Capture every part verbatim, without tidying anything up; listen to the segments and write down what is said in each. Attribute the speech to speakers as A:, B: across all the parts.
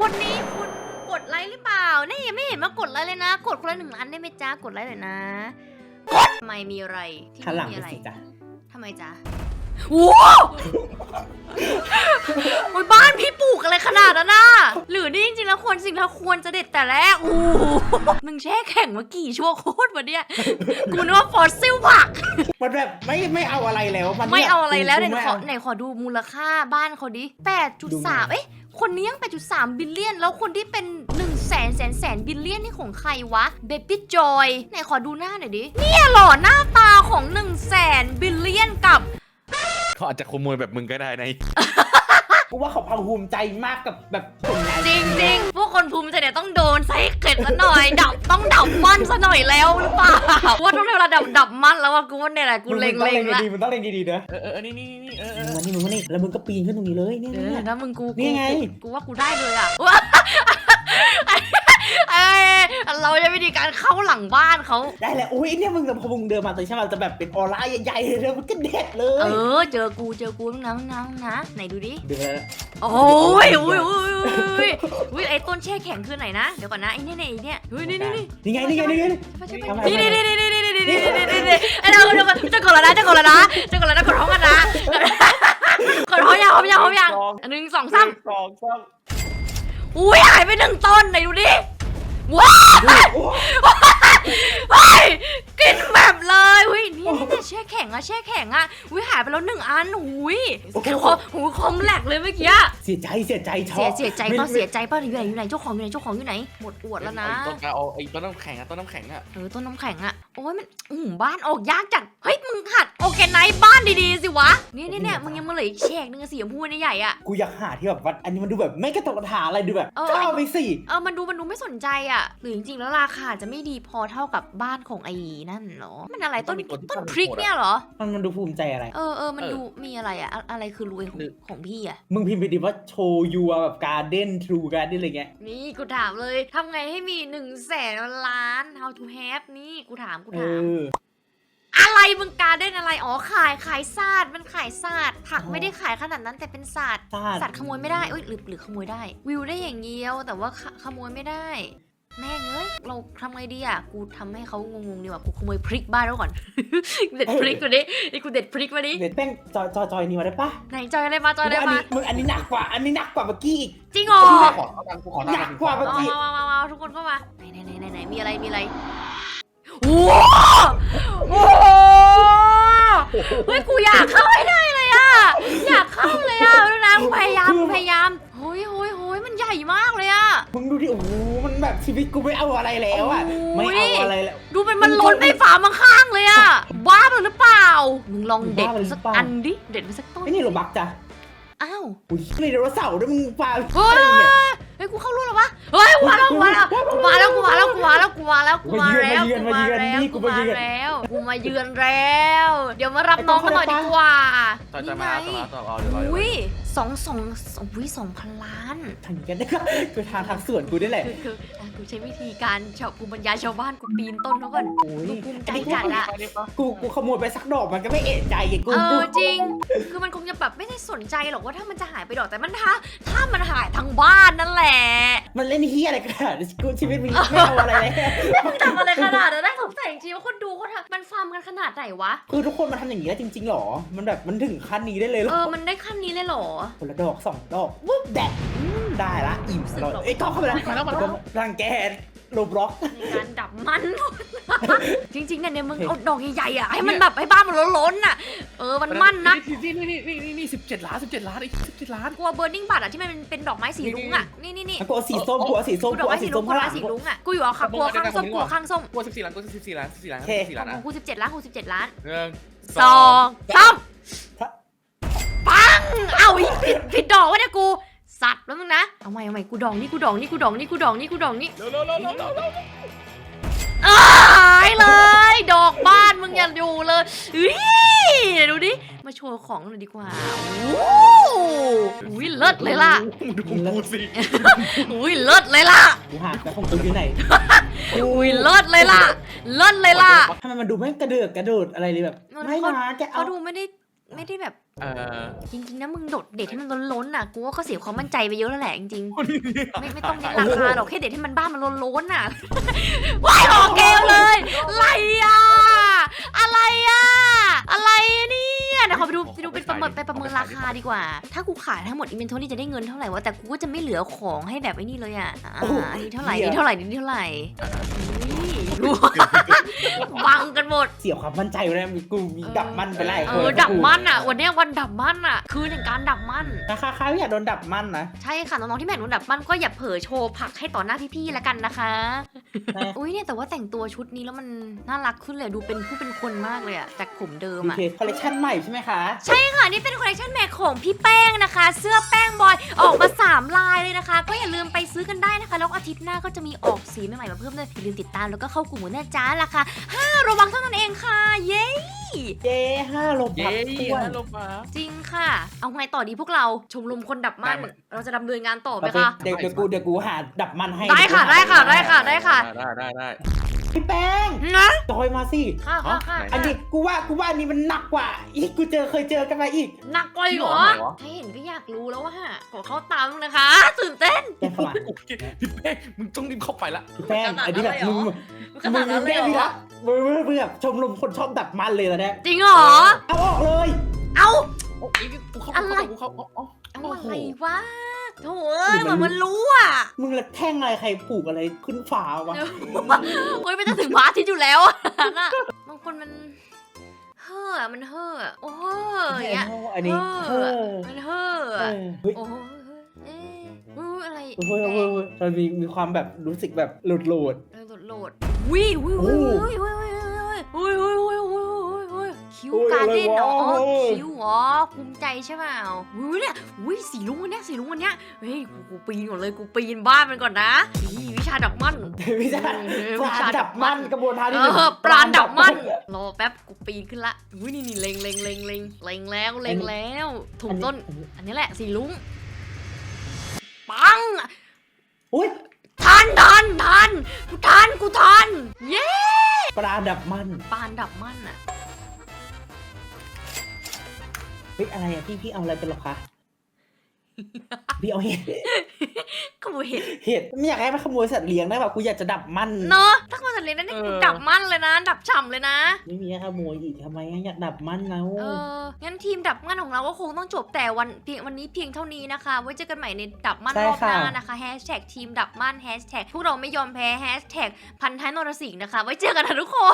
A: คนนี้คุณกดไลค์หรือเปล่านี่ยังไม่เห็นมากดไลค์เลยนะกดคนละหนึ่งล้านได้ไหมจ๊ะกดไลค์หน่อยนะกดทำไมมีอะไรที่
B: ขันหลัง
A: มี
B: ไป
A: อะไร
B: สิจ้ะ
A: ทำไมจ๊ะว้าวโอ้ยบ้านพี่ปลูกอะไรขนาดนั้นน่ะหรือนี่จริงๆแล้วควรสิ่งที่ควรจะเด็ดแต่แรกอู้มึงแช่แข็งมากี่ชั่วโคตรวะเนี่ยกูนึกว่าฟอสซิลผัก
B: มันแบบไม่ไม่เอาอะไรแล้วมัน
A: ไม่เอาอะไรแล้วไหน
B: ม่
A: ขอ
B: เา
A: ไหนขอดูมูลค่าบ้านเขาดิ แปดจุดสาม เอ๊ะคนนี้ยัง แปดจุดสาม บิลเลียนแล้วคนที่เป็นหนึ่งแสนแสนแสนบิลเลียนนี่ของใครวะ เบบี้จอยไหนขอดูหน้าหน่อยดิเนี่ยหล่อหน้าตาของหนึ่งแสนบิลเลียนกับ
C: เขาอาจจะขโมยแบบมึงก็ได้นะ
B: กูว่าเขาพังภูมิใจมากกับแบบผลงาน
A: จริงจริงๆพวกคนภูมิใจเนี่ยต้องโดนไซเก็ตซะหน่อย ดับต้องดับมันซะหน่อยแล้วหรือเปล่าว่าต้องเวลาดับดับมันแล้วว่ากูว่าเนี่ยแหละกูเล็ง
B: มึ
A: เล็ง
B: ต้อง
A: ละ
B: ดีๆมันต้องเล็งดีๆนะ
C: เออเออนี่นี่นี่เออเออ
B: มึงมานี่มึงมานี่แล้วมึงก็ปีนขึ้นตรงนี้เลยเนี่ย
A: เอ
B: เนี่
A: อย นะมึงกู
B: นี่ไง
A: กูว่ากูได้เลยอ่ะว้าเอ้ยเราจะวิธีการเข้าหลังบ้านเขา
B: ได้แหละอุ้ยเนี่ยมึงพอมึงเดินมาตอนใช่ไหมจะแบบเป็นออร่าใหญ่ๆเลยมันก็เด็ดเล
A: เอย อเจอกูเจอกูน้องน้องนะไหนดูดิ
B: เดี๋ยวแล้ว
A: โอ้ยโอ้ยโอ้ยโอ้ยโอ้ยไอ้ต้นแช่แข็งคือไหนนะเดี๋ยวก่อนนะไอ้เนี่ยไอ้เนี่ยเฮ้ยนี่นี่นี่
B: นี่ไงนี่ไงนี่ไง
A: นี่นี่นี่นี่นี่นี่นี่นี่นี่นี่ไอ้เราเดี๋ยวก่อนจะกดแล้วนะจะกดแล้วนะจะกดแล้วนะกดท้องกันนะกดท้องยังท้องยังท้องยังหนึ่งสองสาม
B: สองสาม
A: อุ้ยหายไปหนึ่งต้นไหนดูดิว้าวเฮ้ยกินแบบเลยอุ้ยนี่นี่แช่แข็งอะแช่แข็งอะอุ้ยหายไปแล้วหนึ่งอันอุ้ยคอหูคอมแหลกเลยเมื่อกี้
B: เสียใจเสียใจชอ
A: เสีย
B: บ
A: เสียใจป่ะเสียใจป่ะอยู่ไหนอยู่ไหนเจ้าของอยู่ไหนเจ้าของอยู่ไหนหมดอวดแล้วนะ
C: ต้นเอาไอ้ต้นน้ำแข็งอะต้นน้ำแข็งอะ
A: เออต้นน้ำแข็งอะโอ้ยมันอืมบ้านออกยากจัดเฮ้ยมึงหัดโอเคไนท์บ้านดีๆสิวะนี่นี่เนี่ยมึงยังมาเหลืออีกแฉกนึงสีชมพูนี่ใหญ่อะ
B: กูอยากหาที่แบบว่าอันนี้มันดูแบบไม่กระตกกระถาอะไรดูแบบ
A: เออ
B: ก็เอาไปสิ
A: เออมันดูมันดูไม่สนใจอะหรือจริงๆแล้วราคาจะไม่ดีพอเท่ากับบ้านของไอ้นั่นเหรอมันอะไรต้นต้นพริกเนี่ยเหรอ
B: มันมันดูภูมิใจอะไร
A: เออเออมันดูมีอะไรอะอะอะไรคือรวยของของพี่อะ
B: มึงพิมพ์ไปดิว่าโชว์ยูแบบการ์เด้นทรูการ์เด้นอะไรเงี้ย
A: นี่กูถามเลยทำไงให้มีหนึ่งแสนล้าน how to have นี่กูถามกู
B: เอ
A: ถาม
B: อ
A: อะไรมึงการได้อะไรอ๋อขายขายศาสตร์มันขายศาสตร์ผักไม่ได้ขายขนาดนั้นแต่เป็นศาสตร์
B: ศาสตร์
A: สัตว์ขโมยไม่ได้เอ้ยหรือหรือขโมยได้ วิวได้อย่างเดียวแต่ว่าขขโมยไม่ได้ แม่งเอ้ยเราทำไงดีอ่ะกูทำให้เขางงๆดีกว่ากูขโมยพริกบ้านแล้วก่อน เด็ดพริกมาดิไอ้กูเด็ดพริกมาดิ
B: เด็ดแป้งจอยจอยจอยนี่มาได้ปะ
A: ไหนจอยอะไรมาจอยอะไร
B: อัน
A: มา
B: นี้มึงอันนี้หนักกว่า อันนี้หนักกว่าเมื่อกี้อีก
A: จริงเหรอ
C: กูขอตังกูขอตัง
B: หนักกว่าเมื่อ
A: มา
B: กี้
A: มามามาทุกคนเข้ามาไหนไหนไหนไหนไหนมีอะไรมีอะไรว้าวโอ้โหเฮ้ยกูอยากเข้าให้ได้เลยอ่ะอยากเข้าเลยอ่ะดูนะกูพยายามกูพยายามโฮ้ยโฮ้ยโฮ้ยมันใหญ่มากเลยอ่ะ
B: มึงดูดิโอ้โหมันแบบชีวิตกูไม่เอาอะไรแล้วอ่ะ
A: โอ้
B: ไม่
A: ย
B: เอาอะไรแล้ว
A: ดูมันมันล้นไปฝามาข้างเลยอ่ะบ้าไปหรือเปล่ามึงลองเด็ด
B: บ้าไปหรือ
A: สัก
B: เปล่า
A: อันดิเด็ดมาสักต้น
B: ไอ้นี่โรบักจ้ะ
A: อ้าว
B: อุ้ยนี่ไดโนเสาร์ด้วยมึงปลา
A: เฮ้ยเฮ้ยกูเข้ารู้หรอวะเฮ้ยกูมาแล้วกูมาแล้วกูมาแล้วกูมาแล้วกูมาแล้วกูมาแล้วกูมาแล้วกูมาแล้วกูมาแล้วกูมาเยือนแล้ว เดี๋ยวมารับน้องกันหน่อยดีกว่า
C: ต่อจะมาต่อมาต่อเอาเดี๋ยวเรา
A: อุ้ยสองสองอุ้ยสองพันล้าน
B: ทำอย่างกันได้ก็คือทางทางสวนกูได้แหละ
A: คือคืออ่ะกูใช้วิธีการชาวภูมิปัญญาชาวบ้านกูปีนต้นเขาก่อน
B: โอ้ย
A: กูภูมิใจจัดอะ
B: กูกูขโมยไปสักดอกมันก็ไม่เอะใจไงกู
A: เอ
B: กู
A: อจริง คือมันคงจะแบบไม่ได้สนใจหรอกว่าถ้ามันจะหายไปดอกแต่มันถ้าถ้ามันหายทั้งบ้านนั่นแหละ
B: มันเล่นเฮียอะไรกันอะกูชีวิตมึงไม่เอาอะไรเลย
A: มึงทำอะไรขนาดนั้นได้สงสัยจริงๆว่าคนดูเขาทำมันฟาร์มกันขนาดไหนวะ
B: คือทุกคนมาทำอย่างนี้ได้จริงๆหรอ มันแบบมันถึงขั้นนี้ได้เลยหร
A: เอ
B: อ
A: อมันได้ขั้นนี้เลยเหรอ
B: คนละดอกสองดอกวุ้บแดดได้ละอิ่มสลดเอ้ยกล้องเข้าไปแล้ว
C: มาแล้วมาแล้ว
B: รังแกโลบล็อก
A: ในการดับมัน จริงๆเนี่ยเนี่ยมึงเอาดอกใหญ่ๆอ่ะให้มันแบบให้บ้านมันล้นๆอ่ะเออมันมั่นนะ
C: นี่นี่นี่นี่นี่สิบเจ็ดล้านสิบเจ็ดล้านไอ้สิบเจ็ดล้าน
A: กลัวเบอร์นิ่งบัตรอ่ะที่มันเป็นดอกไม้สีรุ้งอ่ะนี่นี่นี่
B: กูเอาสีส้มกูเอาสีส้ม
A: กูด
B: กู
A: อกไม้
B: เอา
A: สี
B: สี
A: รุ้
B: ส้
A: ง
B: ม
A: กู
B: ข้าง
A: ดอก
B: หลั
A: ไม้
B: ง
A: สีรุ้งอ่ะกูอยู่เอาขับกลัวข้างส้มกลัวข้างส้ม
C: กูสิบสี่ล้านกูสิบสี่ล้านสิบสี่ล้านสิบสี่ล้าน
A: ข
C: นะ
A: องกูสิบเจ็ดล้านกูสิบเจ็ดล้าน
C: หนึ่ง
A: สองสามปังเอ้าอีกผิดผิดดอกวะเนี่ยกูสัตว์แล้วมึงนะเอาใหม่เอาใหม่กูดองนี่กูดองนี่กูดองนี่กูดองนี่กูดองนี่
C: เร็วเร็วเร็วเร็วเร็วเร็ว
A: หายเลย ดอกบ้านมึงอย่าอยู่เลยอุ้ยดูดิมาโชว์ของหน่อยดีกว่าโอ้อุ้ยเลิศเลยล่ะ
C: มึงดูกูสิ
A: อุ้ยเลิศเลยล่ะ
B: กูหาแต่ของกูอยู่ไหน
A: อุ้ยเลิศเลยล่ะเลิศเลยล่ะ
B: ทำไมมันดูไม่กระเดือกกระโดดอะไรเลยแบบไม่นะแกเอา
A: เขาดูไม่ได้ไม่ได้แบบ
C: เออ
A: จริงๆนะมึงโดดเด็ดให้มันล้นๆน่ะกูว่าก็เสียความมั่นใจไปเยอะแล้วแหละจริงๆไม่ไม่ต้องเน้นราคาหรอกแค่เด็ดให้มันบ้านมันล้นๆน่ะว้ายออกเกมเลยอะไรอ่ะอะไรอ่ะอะไรเนี่ยเดี๋ยวขอไปดูไปดูเป็นประเมินไปประเมินราคาดีกว่าถ้ากูขายทั้งหมดอินเวนทอรี่จะได้เงินเท่าไหร่วะแต่กูก็จะไม่เหลือของให้แบบไอ้นี่เลยอ่ะอ่าอันนี้เท่าไหร่นี่เท่าไหร่นี่เท่าไหร่บังกันหมด
B: เสียความมั่นใจเลยมีกูมีดับมันไปไล่
A: เออดับมันอ่ะวันนี้วันดับมันอ่ะคือหนึ่งการดับมัน
B: นะคะใครอยากโดนดับมันนะ
A: ใช่ค่ะน้องๆที่แม่นโดนดับมันก็อย่าเผลอโชว์ผักให้ต่อหน้าพี่ๆแล้วกันนะคะอุ้ยเนี่ยแต่ว่าแต่งตัวชุดนี้แล้วมันน่ารักขึ้นเลยดูเป็นผู้เป็นคนมากเลยอ่ะจากผมเดิม
B: โอ
A: อ่ะ
B: เคคอลเลคชันใหม่ใช่ไหมคะ
A: ใช่ค่ะนี่เป็นคอลเลคชันแม่ของพี่แป้งนะคะ เสื้อแป้งบอยออกมาสามลายเลยนะคะ ก็อย่าลืมไปซื้อกันได้นะคะแล้วอาทิตย์หน้าก็จะมีออกสีใหม่ๆมาเพิ่มเลยอย่าลืมติดตามแล้วก็เข้ากลุ่มหัวหน้าจ้าราคาห้าระวังเท่านั้นเองค่ะเย้
B: เย้ห้าลบ
C: เย้
B: พักท้วน
C: ฮัลโหลมา
A: จริงค่ะ เอาไงต่อดีพวกเราชมรมคนดับมันเราจะดำเนินงานต่อไหม
B: โอเค
A: คะ
B: เดี๋ยวเดี๋ยวกูเดี๋ยวกูหาดับมันให้
A: ได้ค่ะได้ค่ะได้ค่ะได้ค่ะ
C: ได้ได้ได้
B: พี่แป้ง
A: นะ
B: จอยมาสิ
A: ค่ะค่ะค่ะ
B: อันนี้กูว่ากูว่าอันนี้มันหนักกว่าอีกกูเจอเคยเจอกันมาอีก
A: หนักกว่าอีกเหรอให้เห็นก็อยากรู้แล้วว่าขอเข้าตามนะคะ ตื่นเต้น
B: แกเข้ามา
C: พี่แป้งมึงต้องรีบเข้าไปละ
B: พี่แป้งอันนี้แบบมึง
A: ขนาดนั้นเลย
B: มึง
A: เหร
B: มึ
A: อง
B: มึงมึงแบบชมรมคนชอบดับมันเลยนะเนี่ย
A: จริงเหรอ
B: เอาออกเลย
A: เอา
C: โอ้ยกูเข้า
A: อะไร
C: กูเข้าอ๋อ
A: เอาอะไรวะโถ่เอ้ยเหมือนมันรู้อ่ะ
B: มึงละแท่งอะไรใครปลูกอะไรขึ้นฟ้าวะ
A: โอ้ยไม่จะถึงพระอาทิตย์อยู่แล้วอะน่ะบางคนมันเฮ่อมันเฮ่อโอ้เฮ่ออย่างเงี้ย
B: อันนี้เออ
A: มันเฮ่อ
B: เอ
A: อะ
B: อเฮ้ย
A: โอ้เอ๊ะอุ๊ยอะไร
B: เฮ้ยเฮ้ยเฮ้ยมันมีมีความแบบรู้สึกแบบหลุดหลุด
A: เออโหลดโหลดวิววิววิววิววิววิววิววิววิววิวคิวการ์เด้นเหรอคิวอ๋อภูมิใจใช่เปล่าวิวเนี่ยวิสีลุงอันเนี้ยสีลุงอันเนี้ยเฮ้ยกูกูปีนก่อนเลยกูปีนบ้านมันก่อนนะนี่วิชาดับมัน
B: วิชาปราณดับมันกระบวนการที่
A: เออปราณดับมันรอแป๊บกูปีนขึ้นละวินี่นี่เล็งเล็งเล็งเล็งเล็งแล้วเล็งแล้วถูกต้นอันนี้แหละสีลุงปัง
B: อุ้ย
A: ทันทันทันกูทันกูทันเย้
B: ปราณดับมัน
A: ปานดับมันอะ
B: เฮ้ยอะไรอ่ะพี่พี่เอาอะไรเป็นหรอคะพี่เอาเห็ด
A: ขโมยเห็ด
B: เห็ดไม่อยากให้มันขโมยสัตว์เลี้ยงได้แบบกูอยากจะดับมัน
A: เนาะถ้าขโมยสัตว์เลี้ยงนั่นนี่กูดับมันเลยนะ ดับฉ่ำเลยนะ
B: ไม่มีให้ขโมยอีกทำไมอยากดับมันแล้ว
A: เอองั้นทีมดับมันของเราก็คงต้องจบแต่วันเพียงวันนี้เพียงเท่านี้นะคะไว้เจอกันใหม่ในดับมันรอบหน้านะคะแฮชแท็กทีมดับมันแฮชแท็กพวกเราไม่ยอมแพ้แฮชแท็กพันท้ายนรสิงห์นะคะไว้เจอกันนะทุกคน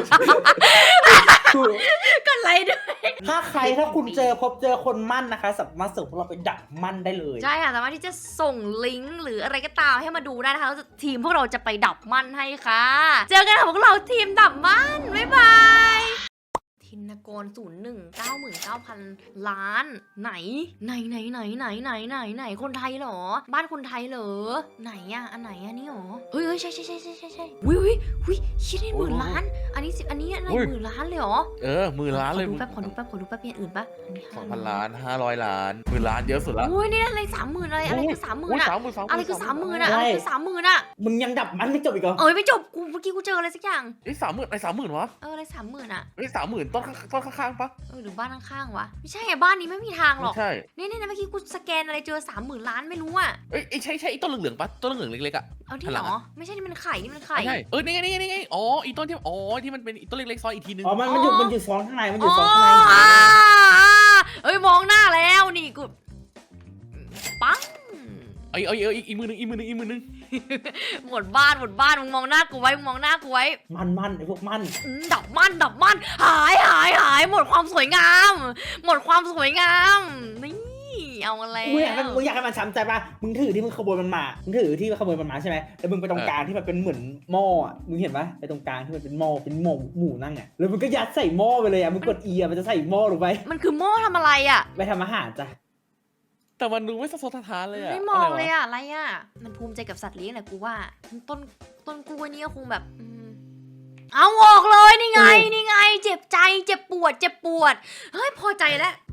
A: กันไรด้วย
B: ถ้าใครถ้าคุณเจอพบเจอคนมั่นนะคะสามารถส่งพวกเราไปดับมันได้เลย
A: ใช่ค่ะสามารถที่จะส่งลิงก์หรืออะไรก็ตามให้มาดูได้นะคะแล้วทีมพวกเราจะไปดับมันให้ค่ะ เจอกันค่ะพวกเราทีมดับมันบ๊ายบายทินกรศูนย์หนึ่งเก้าหมื่นเก้าพันล้านไหนไหนไหนไหนไหนไหนไหนไหนคนไทยเหรอ บ้านคนไทยเหรอไหนอะอันไหนอันนี้หรอเฮ้ยเฮ้ยใช่ใช่ใช่ใช่ใช่ใช่วิววิวชิดได้หมื่นล้าน อันนี้สิอันนี้อะไรหมื่นล้านเลยเหรอ
C: เออหมื่นล้านเลย
A: ขอดูแป๊บขอดูแป๊บขอดูแป๊บอย่างอื่นปะอันนี้
C: สองพันล้านห้าร้อยล้านหมื่นล้านเยอะสุดละ
A: อุ้ยนี่อะไรสามหมื่นอะไรอะไรคือสามหมื่น
C: อุ้ย
A: อะ
C: สามหมื่นสาม
A: อะไรคือสามหมื่นอะอะไรคือสามหมื่นอะ
B: มึงยังดับมันไม่จบอีกเหรอ
A: เอ้ยไม่จบกูเมื่อกี้กูเจออะไรสักอย่าง
C: ไอ้สามหมื่นไอ้สามหมื่นวะ
A: เอออะไรสามหมื่นอะ
C: ไอ้สามหมื่นต้นต้นข้างๆปะ
A: เออหรือบ้านข้างๆวะไม่ใช่อะบ้านนี้ไม่มีทางหร
C: ไม่
A: อก
C: ใช่
A: นี่นี่นะเมื่อกี้กูสแกนอะไรเจอสามหมื่นล้านไม่รู้อะ
C: เอ้ยไอ้ใช่ใช่ไอ้ต้นเหลืองๆปะต้นเหลืองๆเล็กๆอ่ะ
A: เอาที่หรอไม่ใช่นี่มันไข่นี่มันไข่
C: ใช่เออนี่ไงนี่ไงนี่ไงอ๋ออีต้นที่อ๋อที่มันเป็นอีต้นเล็กๆซอยอีกทีนึง
B: อ๋อมันมันอยู่มันอยู่ซ้อนข้างในมันอ
A: อ๋
B: ยู่
A: อ
B: ซ้อนข้างใน
A: อ่าเอ้ยมองหน้าแล้วนี่กูปัง
C: ไอ้ไอ้ไอ้อีกมือนึงอีกมือนึงอีกมือนึง
A: หมดบ้านหมดบ้านมึงมองหน้ากูไว้มึงมองหน้ากูไว้
B: มันมันไอ้พวกมัน
A: อืมดับมันดับมันหายหายหายหมดความสวยงาม หมดความสวยงามนี่เอามาแล้ว
B: มึงอยากให้มึงอยากให้มันช้ำใจป่ะมึงถือที่มึงขโมยมันมามึงถือที่ขโมยมันมาใช่ไหมแล้วมึงไปตรงกลางที่มันเป็นเหมือนหม้ออ่ะมึงเห็นปะไปตรงกลางที่มันเป็นหม้อเป็นหม้อหมูนั่งอ่ะแล้วมึงก็ยัดใส่หม้อไปเลยอ่ะมึงกดอีอ่ะมันจะใส่หม้อลงไป
A: มันคือหม้อทำอะไรอ่ะ
B: ไปทำอาหารจ้ะ
C: แต่มันดูไม่สะทกสะท้านเลยอะ
A: ไม่มองเลยอ่ะอะไรอ่ะมันภูมิใจกับสัตว์เลี้ยงแหละกูว่าต้นต้นกล้วยนี่ก็คงแบบอืมเอาออกเลยนี่ไงนี่ไง เจ็บใจเจ็บปวดเจ็บปวดเฮ้ยพอใจแล้ว